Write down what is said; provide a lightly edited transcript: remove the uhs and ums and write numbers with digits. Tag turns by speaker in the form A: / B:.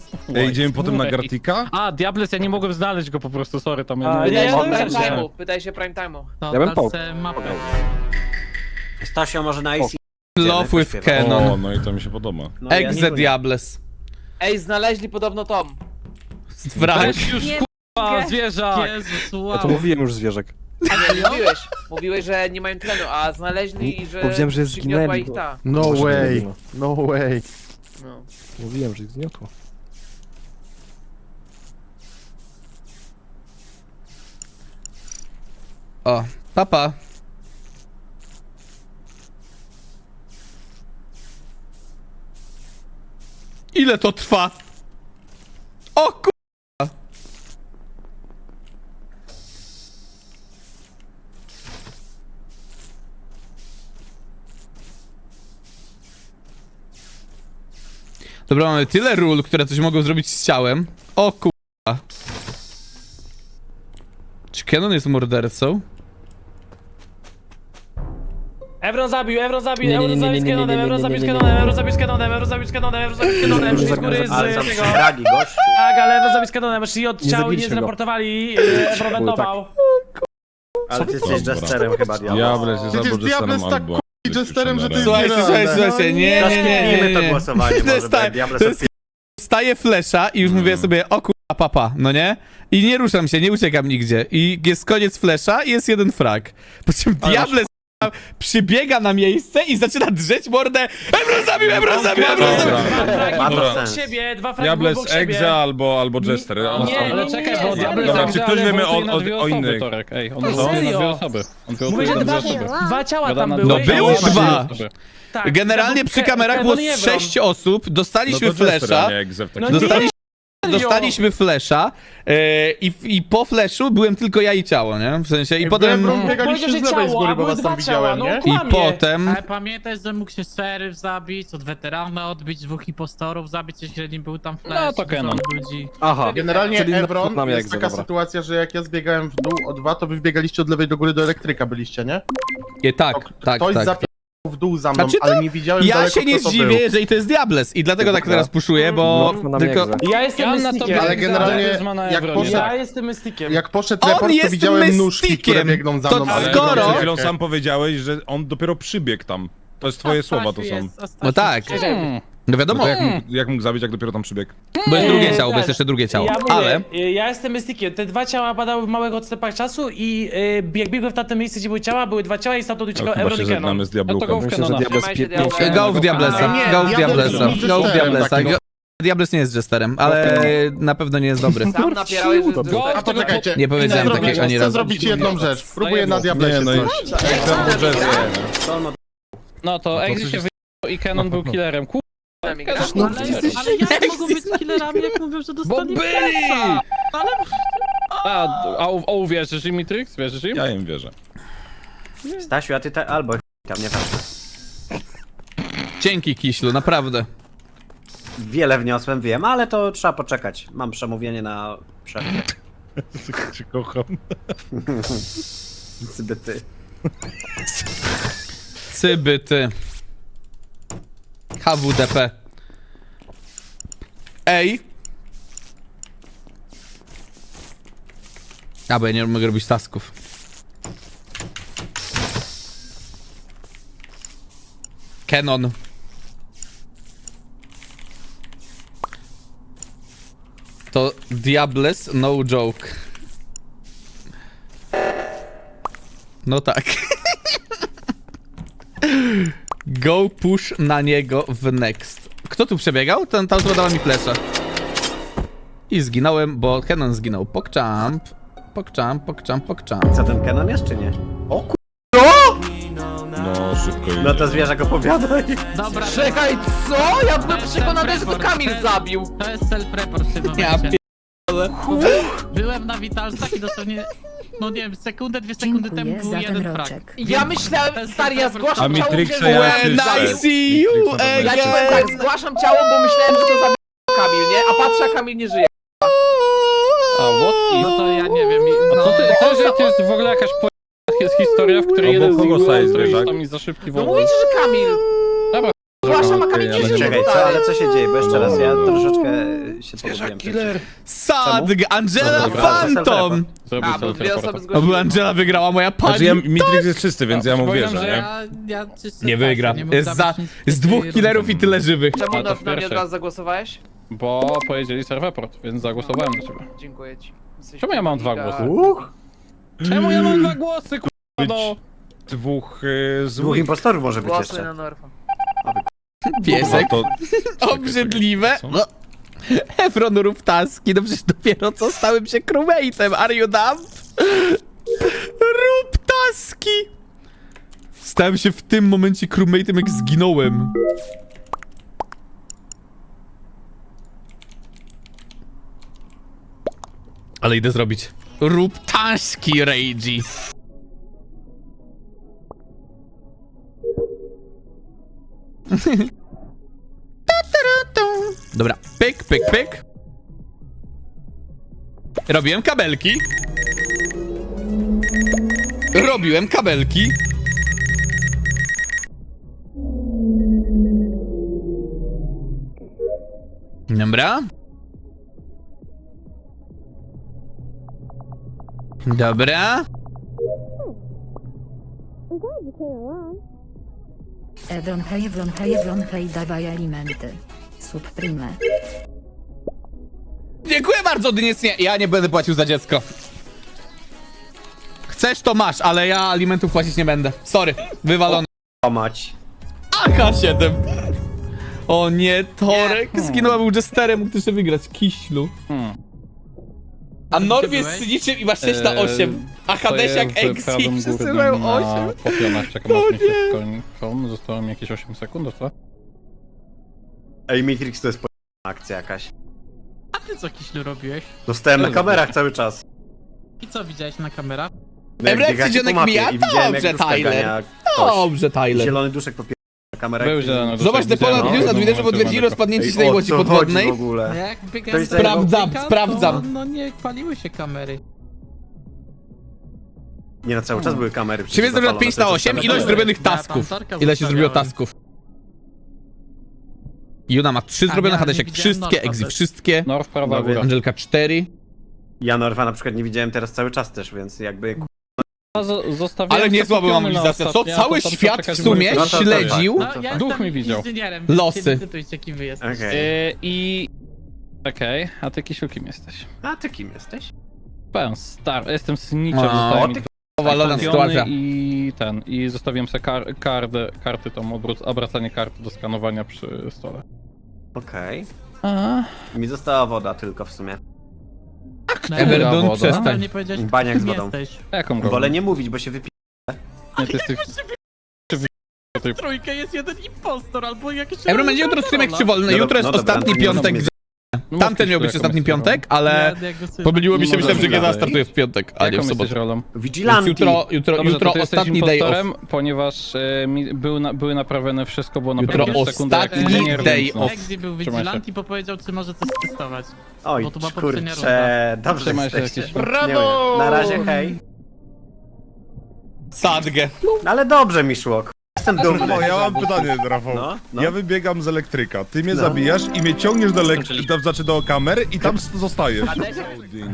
A: Ej, idziemy potem na Gartika?
B: A, Diables, ja nie mogłem znaleźć go po prostu, sorry, tam
C: A,
B: ja
C: nie,
B: nie
C: no,
B: wiem.
C: tak,
D: Time'u, pytaj się prime time'u.
E: To
F: Ja bym pał.
E: mapę.
G: Stasio może na IC.
H: Love with
A: O,
H: Canon.
A: no i to mi się podoba.
G: No,
H: Exe Diables.
C: Ej, znaleźli podobno Tom.
H: Wrach.
B: Weź już, k***a, zwierzak!
E: Jezus,
F: Ja
E: wow.
F: to mówiłem już zwierzak.
C: A nie, mówiłeś, że nie mają tlenu, a znaleźli i że
F: Powiedziałem, że
C: przygniotła
F: zginęli.
C: ich ta.
I: No
F: Proszę,
I: way,
F: no.
I: no way.
C: No.
F: Mówiłem, że ich zgniotło.
H: O, papa. Ile to trwa? O kurwa. Dobra, mamy tyle ról, które coś mogą zrobić z ciałem. O kurwa. Czy Canon jest mordercą?
D: Evron zabił,
F: Nie, nie, nie, nie, nie, nie, nie, nie,
D: Evron
F: nie,
D: zabił
F: nie,
D: z
F: nie, nie,
D: Canonem,
F: nie.
D: Evron zabił z Canonem, Evron zabił z Canonem, Evron zabił z Canonem, szli z góry
G: Ale są
D: z tego.
G: fragi, gościu.
D: Tak, ale Evron zabił z Canonem, szli od
F: Nie
D: ciał i nie
F: zabiliśmy go.
D: zreportowali, Evron wentował.
G: Ale ty jesteś jesterem chyba, Diablo.
A: Diables jest
I: Przecież
A: albo
I: Diables
A: Jesterem,
I: tak
A: albo...
I: Jesterem, że to jest
H: Słuchajcie, słuchajcie, słuchajcie, nie, nie, nie, nie,
G: to
H: nie.
G: głosowanie,
H: To
G: może
H: jest tak,
G: być Diables
H: to jest Staję flesza i już mówię sobie, o kurwa, papa, no nie? I nie ruszam się, nie uciekam nigdzie. I jest koniec flesza i jest jeden frag. Po czym Diables przybiega na miejsce i zaczyna drzeć mordę. Ebron zabił, Ebron zabił, Ebron zabił.
G: Ma to
D: Obok
G: sens.
D: siebie, dwa fragi
A: Diables,
D: obok siebie.
A: Exe albo Jester.
D: Nie,
B: Ale czekaj, bo
D: nie,
B: Diables
A: Dobra,
B: tak
A: czy
B: działa,
A: ktoś
B: ale
A: wiemy
B: wotuje na
A: o
B: dwie osoby,
A: innych?
B: Torek. Ej, on
D: No
B: wotuje na
D: serio?
B: dwie osoby. On
D: Mówię,
B: wotuje
D: że
B: na dwie
D: dwa,
B: osoby.
D: dwa ciała
B: Gada
D: tam
B: na
D: były.
H: No były
D: i-
H: dwa.
D: Tak,
H: Generalnie przy kamerach było 6 osób,
A: No
H: dostaliśmy
A: to Jester,
H: flesza.
A: a nie Exe w takim
D: No
A: razie.
D: nie.
H: Dostaliśmy flesza i po fleszu byłem tylko ja i ciało, nie? W sensie i potem...
I: Ebron biegaliście
D: Powiedział,
I: z
D: że
I: lewej z
D: ciało,
I: góry,
D: a
I: bo
D: były
I: was tam
D: dwa ciała,
I: widziałem,
D: no.
I: nie?
H: I
D: Kłamie.
H: potem...
E: Ale pamiętaj, że mógł się szeryf zabić, od weterana odbić, dwóch impostorów zabić, jeśli nie był tam flash.
B: No to
E: dużo
B: Canon.
E: ludzi.
F: Aha.
I: Generalnie
F: Czyli
I: Evron,
F: na mnie
I: jest
F: Exe,
I: taka
F: dobra.
I: sytuacja, że jak ja zbiegałem w dół o 2, to wy wbiegaliście od lewej do góry do elektryka byliście, nie?
H: Tak, tak,
I: Ktoś
H: tak.
I: zapiął w dół za mną,
H: Znaczy to
I: ale nie widziałem
H: Ja
I: daleko,
H: się nie
I: kto to
H: zdziwię,
I: był.
H: jeżeli to jest Diables i dlatego tak teraz puszuję, bo
F: No, na mnie
H: tylko...
F: Exe.
D: Ja jestem
B: Ja na
D: mystikiem.
B: tobie,
I: Ale generalnie
B: Diables ma na
I: jak
B: Evronie.
I: poszedł-
D: Ja jestem mystikiem.
I: Jak poszedł
H: On
I: report, to
H: jest
I: widziałem nóżki, które
H: mystikiem.
I: biegną za
H: To
I: mną.
A: Ale
H: skoro-
A: przed chwilą sam powiedziałeś, że on dopiero przybiegł tam. To jest twoje słowa, to są.
H: No tak, no wiadomo,
A: To jak mógł zabić, jak dopiero tam przybiegł?
H: bo jest drugie ciało, bo jest jeszcze drugie ciało,
D: Ja mówię,
H: ale...
D: ja jestem mystikiem. Te dwa ciała padały w małych odstępach czasu i jak biegłem w tamte miejsce, gdzie były ciała, były dwa ciała i stamtąd
A: No,
D: uciekał
A: chyba
D: Evron
A: się
D: i Canon.
A: żegnamy z
B: No to go
A: Diabluką.
B: w
F: Myślę, że
B: Canona.
F: Diables
C: Trzymaj się,
F: pięknie.
C: Diables.
H: Go w Diablesa,
I: Nie,
H: go w
I: Diables
H: Diablesa,
I: jest
H: go w
I: jesterem
H: Diablesa.
I: takim.
H: Diables nie jest jesterem, ale na pewno nie jest dobry.
C: Sam napierałeś, że
B: Go,
I: A poczekajcie,
H: Nie powiedziałem
I: chcę
H: takiego
I: zrobić-
H: ani
I: Chcę
H: razu.
I: zrobić jedną rzecz. Próbuję na
A: Nie,
I: Diablesie
A: no i...
I: coś.
A: Exe albo Jester.
G: To no,
B: No to Exe się wyjął i Canon był killerem. Kurwa,
E: Ale jak mogą być killerami, jak mówią, że
B: bo
E: dostali
B: byli!
E: flasha? Ale
B: A uwierzysz im, Mitrix? Wierzysz im?
A: Ja im wierzę.
G: Stasiu, a ty albo tam nie ważne.
H: Dzięki, Kiślu, naprawdę.
G: Wiele wniosłem, wiem, ale to trzeba poczekać. Mam przemówienie na przerwie.
A: Cię kocham.
G: Zbyty.
H: Cybyty. HWDP. Ej! A, bo ja nie mogę robić tasków. Canon. To Diables, no joke. No tak. Go push na niego w next. Kto tu przebiegał? Ta osoba dała mi flesza. I zginąłem, bo Canon zginął. Pokchamp. Pokchamp, pokchamp, pokchamp.
G: Co, ten Canon jest, czy nie? O ku...
A: No, szybko idzie.
G: No to zwierzak opowiadaj.
E: dobra,
C: Czekaj, co? Ja byłem
E: To jest
C: przekonany, że to
E: self-report.
C: Kamil zabił.
E: to jest self-report w tym
H: Ja
E: momencie. Byłem na Witalsach i dosłownie, no nie wiem, sekundę, 2 sekundy temu
J: Dziękuję
E: był
J: za ten
E: jeden frag.
J: roczek.
C: Ja myślałem, stary, ja
A: A
C: zgłaszam ciało,
A: Matrixa
C: wiem,
A: ja
C: że
H: When
A: czyszczę.
H: I see you
A: Matrixa
C: Ja ci
A: to
C: powiem tak, zgłaszam ciało, bo myślałem, że to zabił Kamil, nie? A patrzę, a Kamil nie żyje.
B: A what
E: No to ja nie wiem.
B: A co ty, to jest w ogóle jakaś historia, w której
A: Obok
B: jeden z
A: kogo
B: nich
A: staje
B: był,
A: zwierzak?
B: tam mi za szybki
C: No
B: wąwóz.
C: mówicie, że Kamil.
B: Dobra,
C: Zgłaszam, a Kamil nie żyje,
G: Czekaj, co?
C: stary.
G: Ale co się dzieje? Bo jeszcze raz, ja troszeczkę się pogubiłem.
A: Killer.
H: Sadg, Angela
G: Dobra,
H: Phantom!
B: Zrobił
C: A, bo
B: sobie
C: dwie osoby
B: teleporta.
H: O,
C: zgłosiły.
H: bo Angela wygrała, moja pani.
A: Znaczy ja, Mitrix jest czysty, więc ja mu
B: przypominam,
A: wierzę,
B: że
A: nie?
E: Ja czysto
H: Nie
E: tak,
H: wygra.
E: nie mógł
H: Jest
E: zabić nic
H: z
E: w tej
H: 2 killerów
E: rundzie.
H: i tyle żywych.
C: Czemu
B: A, to
C: na mnie od
B: pierwsze.
C: razu zagłosowałeś?
B: Bo powiedzieli serweport, więc zagłosowałem na ciebie.
C: Dziękuję ci. Jesteś
B: Czemu ja mam dwa
C: giga.
B: głosy? Czemu ja mam 2 głosy,
A: Być
B: no?
A: dwóch
G: Dwóch
A: złych.
G: impostorów może być
C: Głosy
G: jeszcze.
C: na Norfa.
H: Piesek.
A: No to...
H: Obrzydliwe.
A: Co?
H: No. Efron rób taski, no przecież dopiero co stałem się crewmate'em, are you dumb? Rób taski! Stałem się w tym momencie crewmate'em, jak zginąłem. Ale idę zrobić. Rób taski, Reiji. Dobra, pyk, pyk, pyk. Robiłem kabelki. Robiłem kabelki. Dobra. Dobra.
J: Evron hej, dawaj alimenty. Subprime.
H: Dziękuję bardzo, Dyniec. Nie, ja nie będę płacił za dziecko. Chcesz, to masz, ale ja alimentów płacić nie będę. Sorry, wywalony.
G: O mać.
H: AK-7. O nie, Torek zginął, a był Jesterem, mógł jeszcze wygrać. Kiślu. A Norw jest
E: byłeś?
H: cyniczym i ma 6 na 8. A Hadesiak Exi przesyłał 8.
B: Po pionach czekam,
H: O
B: aż mi się
H: nie.
B: skończą. Zostało mi jakieś 8 sekund, co?
G: Ej, Matrix to jest akcja jakaś.
E: A ty co, Kiślu, robiłeś?
G: Dostałem na kamerach cały czas.
E: I co widziałeś na kamerach?
G: No, jak
H: Emrek,
G: biegacie
H: dzionek
G: po mapie
H: mija?
G: i widziałem,
H: Dobrze,
G: jak duszka
H: Tyler.
G: gania ktoś.
H: Dobrze, Tyler.
G: Zielony duszek po na kamerach.
B: Był zielony.
H: Zobacz te pola news na Twitterze potwierdzili rozpadnięcie się tej łodzi
G: w
H: podwodnej.
G: ogóle?
E: Jak
G: To
E: biegałem
G: jest
E: z tego
H: sprawdzam,
E: pika,
H: sprawdzam.
E: To, no nie paliły się kamery.
G: Nie, na cały czas były kamery.
H: Czy jest na 5 na 8? Ilość zrobionych
E: Ja
H: tasków.
E: pancerka
H: Ile się zrobiło
E: zostawiałem.
H: tasków? Juna ma 3 zrobione,
E: ja nie
H: Hadesiak
E: widziałem
H: wszystkie,
E: Norfa
H: Exi
E: też.
H: wszystkie.
B: Norw, prawa
G: No
B: góra.
H: Angelka 4.
G: Ja Norfa na przykład nie widziałem teraz cały czas też, więc jakby...
B: Zostawiałem
H: Ale niezła była
B: zakupiony na
H: mobilizacja. Co?
B: ostatnie, a
H: Cały
B: potem
H: świat
B: poczekać,
H: w sumie
B: bo-
G: No to
H: śledził.
E: No, ja
B: Duch
E: jestem
B: mi widział.
E: inżynierem,
H: Losy.
E: więc nie decydujcie, kim wy jesteście.
G: Okej.
B: I... Okej, a ty Kisiu kim jesteś?
G: A ty kim jesteś?
B: Powiem, star, jestem snitchem,
H: O,
B: zostałem
G: ty
B: mi
H: Powalona
B: kupiony
H: sytuacja.
B: i zostawiłem sobie karty, tą obracanie karty do skanowania przy stole.
G: Okej.
B: A,
G: Mi została woda tylko w sumie.
E: No,
H: Everdun,
B: woda.
H: przestań.
E: nadal nie powiedziałeś,
G: Baniak z
E: kim
G: wodą.
E: jesteś.
B: jaką go?
G: Wolę nie mówić, bo się wypi...
B: Nie, ty jesteś...
E: W trójkę jest jeden impostor albo jakiś...
H: Ebro będzie jutro streamek czy wolny.
G: No
H: Jutro jest
G: dobra,
H: ostatni
G: to nie
H: piątek.
G: możemy
B: No,
H: Tamten miał być
B: jaką
H: ostatni
B: jesteś rolą?
H: piątek, ale pomyliło mi się,
B: Nie
H: myślałem, że
B: możemy
H: GTA
B: dalej.
H: startuje w piątek, a nie
B: Jaką
H: w
B: jesteś
H: sobotę.
B: rolą?
H: Więc
G: Vigilanti!
H: jutro
B: Dobrze, to ty jesteś
H: ostatni day off.
B: impostorem, ponieważ były naprawione, wszystko było
H: Jutro
B: naprawione w sekundę, jak
H: ostatni
B: inżynier,
H: day
B: więc no.
H: off.
E: Exi był
B: Trzymaj się.
E: vigilant i powiedział, czy może coś testować.
G: Oj,
E: Bo to była poprzednia
G: kurczę, dobrze
B: Trzymaj się
G: jesteście.
B: jakieś-
G: Brawo! Na razie, hej.
H: Sadgę.
G: Ale dobrze mi szło, jestem dumny.
A: O, ja mam pytanie, Rafał.
G: No, no.
A: Ja wybiegam z elektryka, ty mnie
G: No.
A: zabijasz i mnie ciągniesz do kamery i tam zostajesz.
C: Hadesiak,
A: Odin.